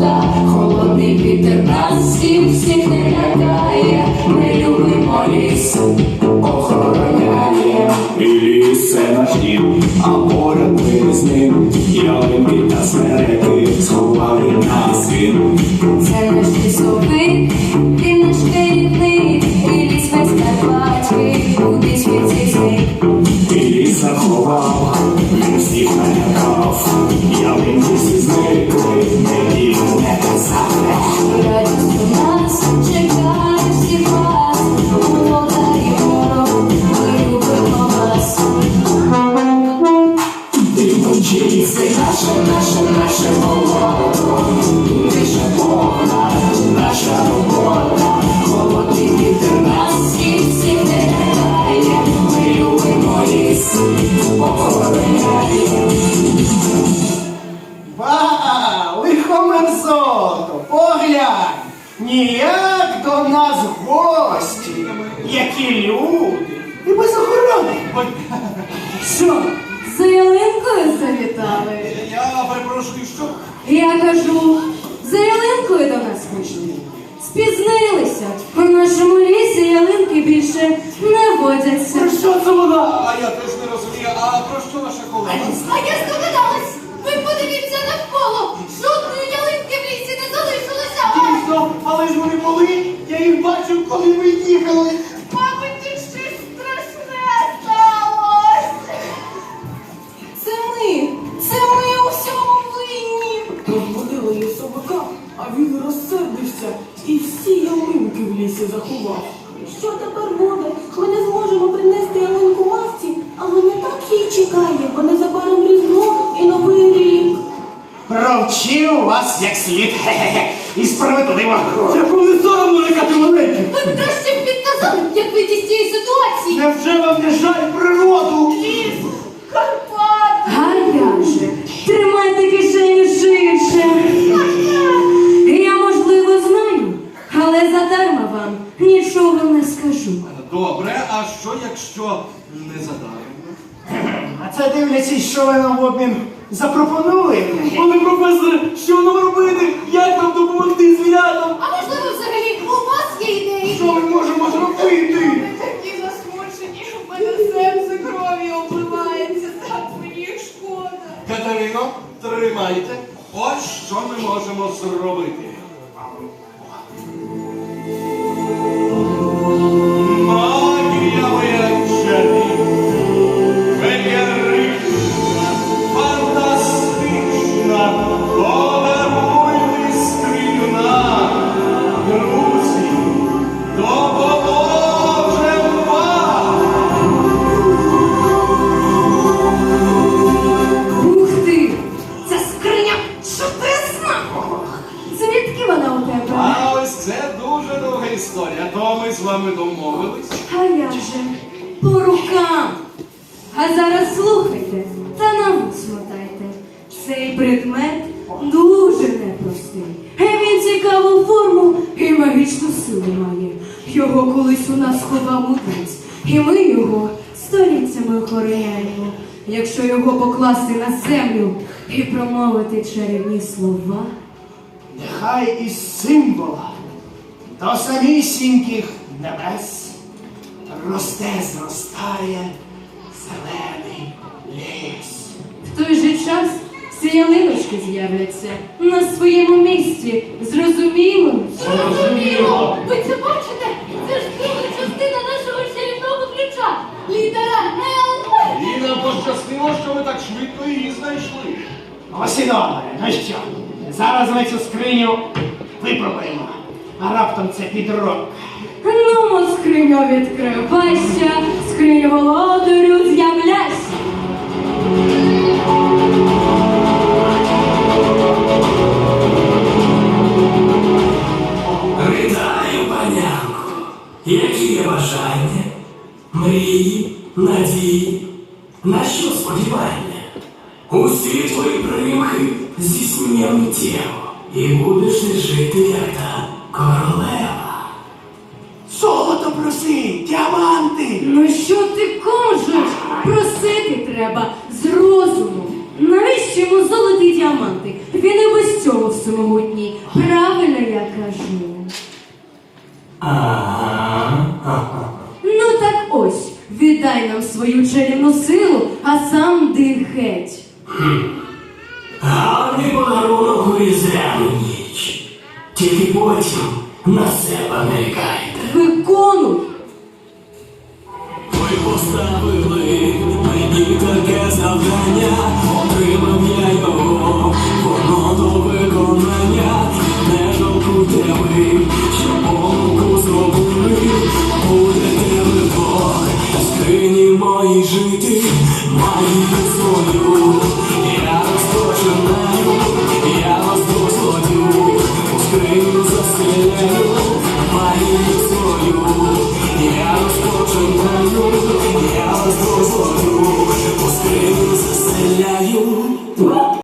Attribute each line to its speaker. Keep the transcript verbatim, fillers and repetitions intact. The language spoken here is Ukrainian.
Speaker 1: свобода, холодний вітер нас всіх, всіх не лякає. Ми любимо ліс, охороняє.
Speaker 2: І ліс це наш дім, а поряд ми з ним. Ялинки та смереки сховали нас він.
Speaker 1: Це наш лісовик, він наш керівник, і ліс весь Карпатський, куди світ цей зник.
Speaker 2: І ліс заховав, він всіх налякав. Ялинки всі зникли, не діло не казали.
Speaker 1: Радість у нас чекає всіх вас, молода і ворог, ми любимо вас.
Speaker 2: Ти мовчи,
Speaker 1: Це наше, наше, наше болото, наша повна, наша робота, холодний вітер нас всіх, всіх не лякає. Ми любимо ліс, охороняє.
Speaker 3: Ба, лихомерзото, поглянь, ніяк до нас гості, які люди, і без охорони. Ой, що?
Speaker 1: За ялинкою завітали.
Speaker 3: Я перепрошую, що?
Speaker 1: Я кажу, за ялинкою до нас прийшли. Спізнилися. У нашому лісі ялинки більше не водяться.
Speaker 3: Про що це вона? А я теж не розумію, а про що наша колега?
Speaker 4: А я здогадалась! Ви подивіться навколо! Жодної ялинки в лісі не залишилося!
Speaker 3: Дійсно, але ж вони були, я їх бачив, коли ми їхали.
Speaker 4: Мабуть, тут щось страшне сталося!
Speaker 1: Це ми, це ми у всьому винні.
Speaker 5: Розбудили лісовика, а він розсердився і всі ялинки в лісі заховав. Що тепер буде? Ми не зможемо принести ялинку мавці, але не так їй чекає, бо незабаром Різдво і Новий рік.
Speaker 3: Провчив вас як слід, хе-хе-хе, і справедливо. Яку не соромно лякати маленьких.
Speaker 4: Ви б краще б підказали, як вийти з цієї ситуації!
Speaker 3: Невже вам не жаль природу?
Speaker 4: Ліс! Карпат!
Speaker 1: А я же, тримайте кишеню ширше. Я, можливо, знаю, але задарма вам нічого не скажу.
Speaker 6: Добре, а що, якщо не задармо?
Speaker 3: А це дивлячись, що ви нам в обмін запропонували.
Speaker 5: Пане професоре, що нам робити? Як нам допомогти звірятам?
Speaker 4: А можливо, взагалі, у вас є ідеї?
Speaker 3: Що ми можемо зробити?
Speaker 4: Такі засмучені, у мене серце кров'ю обливається, так мені шкода.
Speaker 6: Катерино, тримайте. Ось що ми можемо зробити. Магія виявчені, феєрична, фантастична, повернуйте скриню нам, друзі, допоможем вам!
Speaker 1: Ух ти! Ця скриня чудесна! Звідки вона у тебе?
Speaker 6: А ось це дуже довга історія, то ми з вами домовились.
Speaker 1: А як же? По рукам. А зараз слухайте та на вус мотайте. Цей предмет дуже непростий. Він цікаву форму і магічну силу має. Його колись у нас ховав мудрець, і ми його століттями охороняємо. Якщо його покласти на землю і промовити чарівні слова,
Speaker 3: Нехай із символа до самісіньких небес росте, зростає зелений ліс.
Speaker 1: в той же час всі ялиночки з'являться на своєму місці. Зрозуміло?
Speaker 4: Зрозуміло! Ви це бачите? Це ж друга частина нашого чарівного ключа. Літера Л.
Speaker 6: І нам пощастило, що ви так швидко її знайшли.
Speaker 3: Ось і добре, ну що, зараз ми цю скриню випробуємо, а раптом це підробка.
Speaker 1: Ну, скриню відкривайся, скриню володарю з'являйся.
Speaker 7: Вітаю, панянко! Які є бажання, мрії, надії, на що сподівання? Усі твої примхи здійснення миттєво, і будеш ти жити, як та королева.
Speaker 3: Золото проси, діаманти!
Speaker 1: Ну що ти кажеш? Просити треба з розуму. Навіщо навіщо йому золоті й діаманти? Він і без цього всемогутній. Правильно я кажу.
Speaker 7: Ага, ага.
Speaker 1: Ну так ось, віддай нам свою чарівну силу, а сам йди геть.
Speaker 7: Гарний подарунок у різдвяну ніч. Тільки потім на себе нарікайте.
Speaker 1: Виконуй!
Speaker 7: Ви поставили мені таке завдання.